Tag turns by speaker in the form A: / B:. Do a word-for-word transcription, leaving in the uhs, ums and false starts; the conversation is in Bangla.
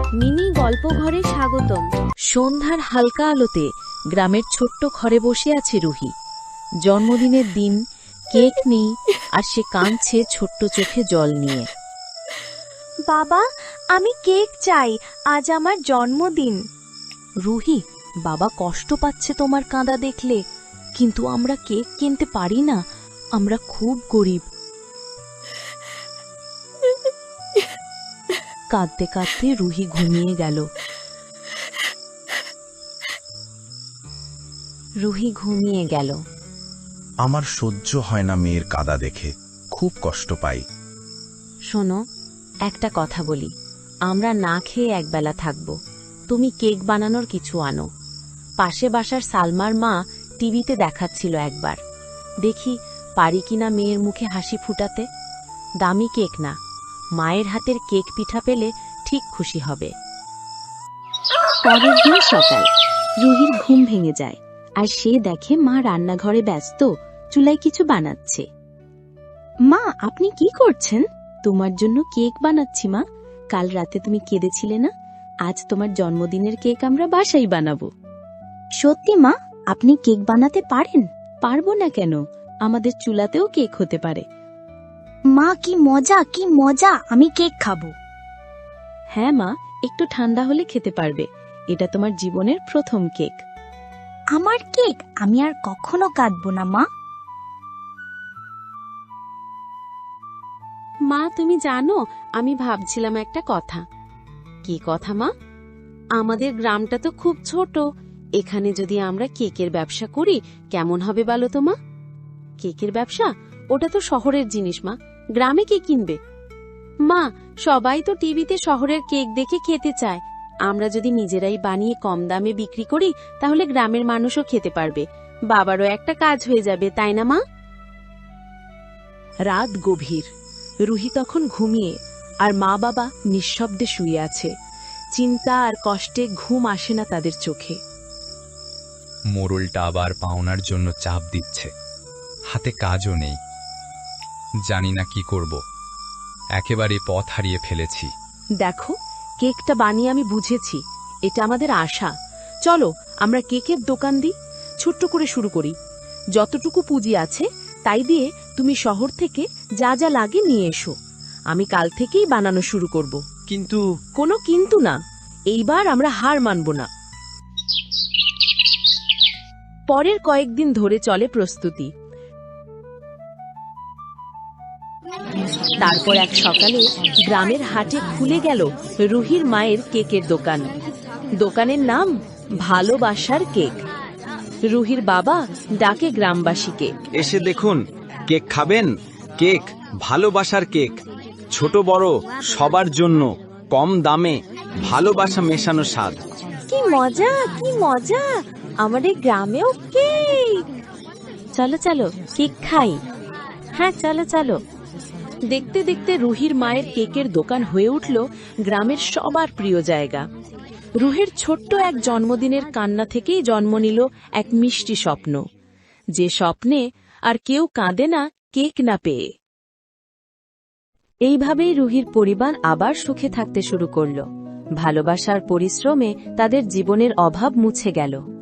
A: মিনি গল্প ঘরে স্বাগতম।
B: সন্ধ্যার হালকা আলোতে গ্রামের ছোট্ট ঘরে বসে আছে রুহি। জন্মদিনের দিন, কেক নেই, আর সে কাঁদছে ছোট্ট চোখে জল নিয়ে।
A: বাবা, আমি কেক চাই, আজ আমার জন্মদিন।
B: রুহি, বাবা কষ্ট পাচ্ছে তোমার কাঁদা দেখলে, কিন্তু আমরা কেক কিনতে পারি না, আমরা খুব গরিব। কাঁদতে কাঁদতে রুহি ঘুমিয়ে গেল। রুহি ঘুমিয়ে গেল।
C: আমার সহ্য হয় না মেয়ের কাদা দেখে, খুব কষ্ট পাই।
B: শোনো, একটা কথা বলি, আমরা না খেয়ে একবেলা থাকব, তুমি কেক বানানোর কিছু আনো। পাশে বাসার সালমার মা টিভিতে দেখাচ্ছিল একবার, দেখি পারি কিনা মেয়ের মুখে হাসি ফুটাতে। দামি কেক না, মায়ের হাতের কেক পিঠা পেলে ঠিক খুশি হবে। পরের দিন সকাল, রুহির ঘুম ভেঙে যায়, আর সে দেখে মা রান্নাঘরে ব্যস্ত, চুলায় কিছু বানাচ্ছে। মা, আপনি কি করছেন? তোমার জন্য কেক বানাচ্ছি মা। কাল রাতে তুমি কেঁদেছিলে না, আজ তোমার জন্মদিনের কেক আমরা বাসায় বানাবো। সত্যি মা, আপনি কেক বানাতে পারেন? পারবো না কেন, আমাদের চুলাতেও কেক হতে পারে।
A: মা, কি মজা, কি মজা, আমি কেক খাবো।
B: হ্যাঁ মা, একটু ঠান্ডা হলে খেতে পারবে, এটা তোমার জীবনের প্রথম কেক।
A: আমার কেক, আমি আর কখনো কাঁদবো না মা।
B: মা, তুমি জানো, আমি ভাবছিলাম একটা কথা। কি কথা মা? আমাদের গ্রামটা তো খুব ছোট, এখানে যদি আমরা কেকের ব্যবসা করি কেমন হবে বলো তো মা? কেকের ব্যবসা? ওটা তো শহরের জিনিস মা, গ্রামে কে কিনবে? মা, সবাই তো টিভিতে শহরের কেক দেখে খেতে চায়, আমরা যদি নিজেরাই বানিয়ে কম দামে বিক্রি করি তাহলে গ্রামের মানুষও খেতে পারবে, বাবারও একটা কাজ হয়ে যাবে, তাই না মা? রাত গভীর, রুহি তখন ঘুমিয়ে, আর মা বাবা নিঃশব্দে শুয়ে আছে। চিন্তা আর কষ্টে ঘুম আসে না তাদের চোখে।
D: মোড়লটা আবার পাওনার জন্য চাপ দিচ্ছে, হাতে কাজও নেই, জানি না কি করব, একেবারে পথ হারিয়ে ফেলেছি।
B: দেখো, কেকটা বানিয়ে আমি বুঝেছি, এটা আমাদের আশা। চলো আমরা কেকের দোকান দিই, ছোট্ট করে শুরু করি। যতটুকু পুঁজি আছে তাই দিয়ে তুমি শহর থেকে যা যা লাগে নিয়ে এসো, আমি কাল থেকেই বানানো শুরু করব।
D: কিন্তু
B: কোনো কিন্তু না, এইবার আমরা হার মানব না। পরের কয়েকদিন ধরে চলে প্রস্তুতি। তারপর এক সকালে গ্রামের হাটে খুলে গেল রুহির মায়ের কেকের দোকান। দোকানের নাম ভালোবাসার কেক। রুহির বাবা ডাকে গ্রামবাসীকে,
E: এসে দেখুন, কেক খাবেন? কেক, ভালোবাসার কেক, ছোট বড় সবার জন্য, কম দামে, ভালোবাসা মেশানো স্বাদ।
A: কি মজা, কি মজা, আমাদের গ্রামেও কেক।
B: চলো চলো কেক খাই। হ্যাঁ চলো চলো। দেখতে দেখতে রুহির মায়ের কেকের দোকান হয়ে উঠল গ্রামের সবার প্রিয় জায়গা। রুহির ছোট্ট এক জন্মদিনের কান্না থেকেই জন্ম নিল এক মিষ্টি স্বপ্ন, যে স্বপ্নে আর কেউ কাঁদে না কেক না পেয়ে। এইভাবেই রুহির পরিবার আবার সুখে থাকতে শুরু করল। ভালোবাসার পরিশ্রমে তাদের জীবনের অভাব মুছে গেল।